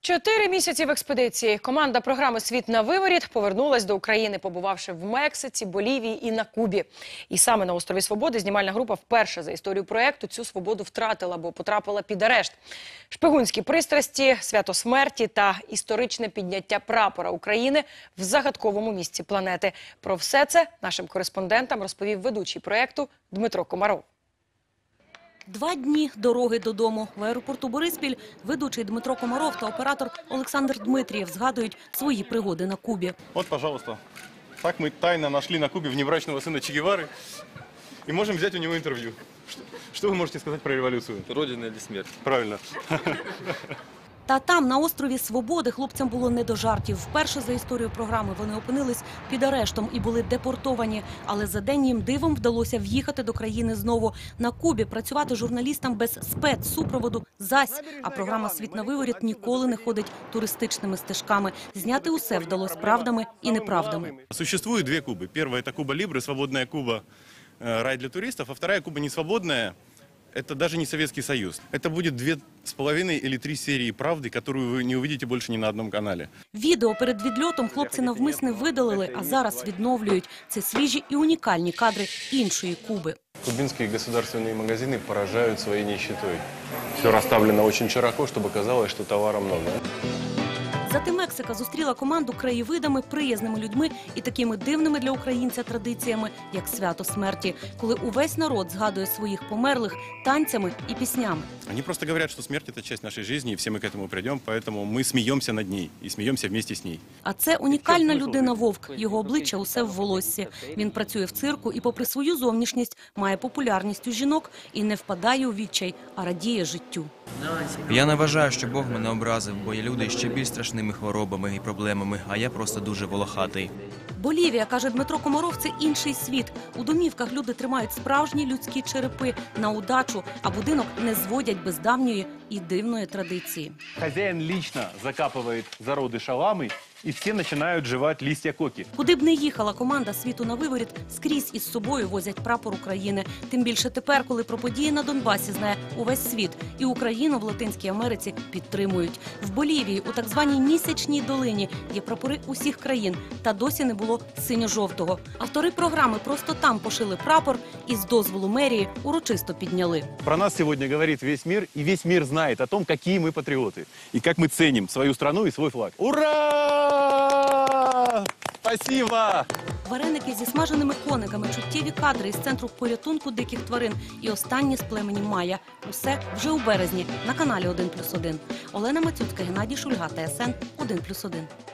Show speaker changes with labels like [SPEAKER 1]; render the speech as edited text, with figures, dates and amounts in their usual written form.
[SPEAKER 1] 4 місяці в експедиції. Команда програми «Світ на виворіт» повернулась до України, побувавши в Мексиці, Болівії і на Кубі. І саме на острові Свободи знімальна група вперше за історію проєкту цю свободу втратила, бо потрапила під арешт. Шпигунські пристрасті, свято смерті та історичне підняття прапора України в загадковому місці планети. Про все це нашим кореспондентам розповів ведучий проєкту Дмитро Комаров.
[SPEAKER 2] 2 дні дороги додому. В аеропорту Бориспіль ведучий Дмитро Комаров та оператор Олександр Дмитрієв згадують свої пригоди на Кубі.
[SPEAKER 3] От, пожалуйста. Так ми тайно знайшли на Кубі внебрачного сина Че Гевари і можемо взяти у нього інтерв'ю. Що ви можете сказати про революцію?
[SPEAKER 4] Родина или смерть?
[SPEAKER 3] Правильно.
[SPEAKER 2] Та там, на острові Свободи, хлопцям було не до жартів. Вперше за історію програми вони опинились під арештом і були депортовані. Але за день їм дивом вдалося в'їхати до країни знову. На Кубі працювати журналістам без спецсупроводу зась. А програма «Світ на виворіт» ніколи не ходить туристичними стежками. Зняти усе вдалося правдами і неправдами.
[SPEAKER 3] Существует 2 Кубы. Первая – это Куба Либре, свободная Куба, рай для туристов. А вторая Куба не свободная. Это даже не Советский Союз. Это будет 2,5 или 3 серии правды, которую вы не увидите больше ни на одном канале.
[SPEAKER 2] Відео перед відльотом хлопці навмисне видалили, а зараз відновлюють. Це свіжі і унікальні кадри іншої Куби.
[SPEAKER 5] Кубинские государственные магазины поражают своей нищетой. Все расставлено очень широко, чтобы казалось, что товара много.
[SPEAKER 2] Зате Мексика зустріла команду краєвидами, приязними людьми і такими дивними для українця традиціями, як свято смерті, коли увесь народ згадує своїх померлих танцями і піснями.
[SPEAKER 3] Они просто говорят, что смерть – это часть нашей жизни, и все мы к этому придем, поэтому мы смеемся над ней и смеемся вместе с ней.
[SPEAKER 2] А це унікальна людина-вовк. Його обличчя усе в волоссі. Він працює в цирку і, попри свою зовнішність, має популярність у жінок і не впадає у відчай, а радіє життю.
[SPEAKER 4] Я не вважаю, що Бог мене образив, бо є люди ще більш страшними хворобами і проблемами, а я просто дуже волохатий.
[SPEAKER 2] Болівія, каже Дмитро Комаров, це інший світ. У домівках люди тримають справжні людські черепи на удачу, а будинок не зводять без давньої і дивної традиції.
[SPEAKER 6] Хозяин лично закапывает зароды шаламы, и все начинают жевать листья коки.
[SPEAKER 2] Куди б не їхала команда «Світу на виворіт», скрізь із собою возять прапор України. Тим більше тепер, коли про події на Донбасі знає увесь світ. І Україну в Латинській Америці підтримують. В Болівії, у так званій Місячній долині, є прапори усіх країн. Та досі не було синьо-жовтого. Автори програми просто там пошили прапор і з дозволу мерії урочисто підняли.
[SPEAKER 6] Про нас сегодня говорит весь мир, и весь мир знает о том, какие мы патриоты. И как мы ценим свою страну и свой флаг. Ура! Спасибо!
[SPEAKER 2] Вареники зі смаженими кониками, чуттєві кадри із центру порятунку диких тварин і останні з племені Майя. Усе вже у березні на каналі 1+1. Олена Мацюцька, Геннадій Шульга, ТСН 1+1.